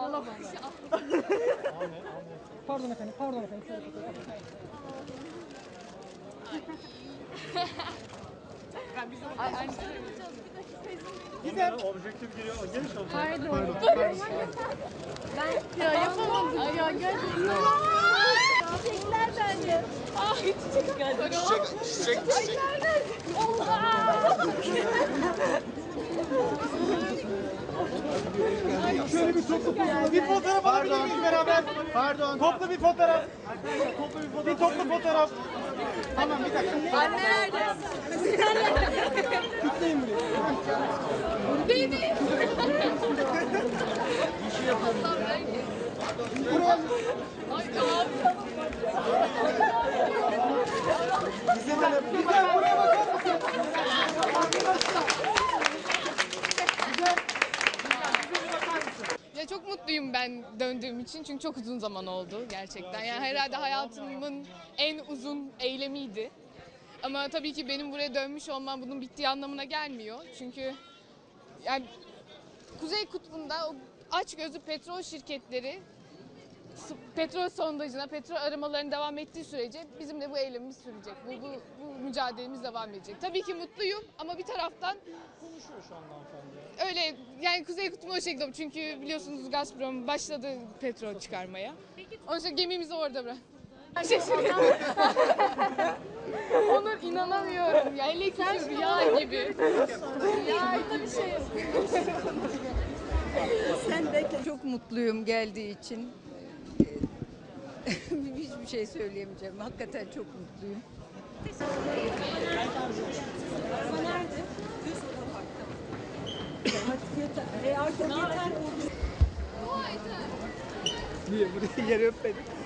alamam. Pardon efendim, pardon efendim. Güzel. Objektif giriyor. Geniş oldu. Pardon. Ben ya yapamadım ya gerçekten. Çiçekler bence. Çiçek. Şöyle bir toplu bir fotoğraf alabilir miyiz beraber? Pardon. Toplu bir fotoğraf. Bir toplu fotoğraf. Tamam bir dakika. Anne nerede? Kitleyin burayı. Beni. Ay abi. Güzel, buraya bakar mısın? Ya çok mutluyum ben döndüğüm için çünkü çok uzun zaman oldu gerçekten. Yani herhalde hayatımın en uzun eylemiydi. Ama tabii ki benim buraya dönmüş olmam bunun bittiği anlamına gelmiyor. Çünkü yani Kuzey Kutbu'nda o açgözlü petrol şirketleri petrol sondajına, petrol aramalarının devam ettiği sürece bizim de bu eylemimiz sürecek. Bu mücadelemiz devam edecek. Tabii ki mutluyum ama bir taraftan Konuşuyor şu anda hanımefendi. öyle yani Kuzey Kutbu'na o şekilde çünkü biliyorsunuz Gazprom başladı petrol çıkarmaya. Onun için gemimizi orada bırak. Şaşırıyorum. Onur inanamıyorum ya. Hele ki şu rüya gibi. Rüya gibi. Bir şey Çok mutluyum geldiği için. Hiçbir şey söyleyemeyeceğim. Hakikaten çok mutluyum. Niye? Buraya yere öpmedik.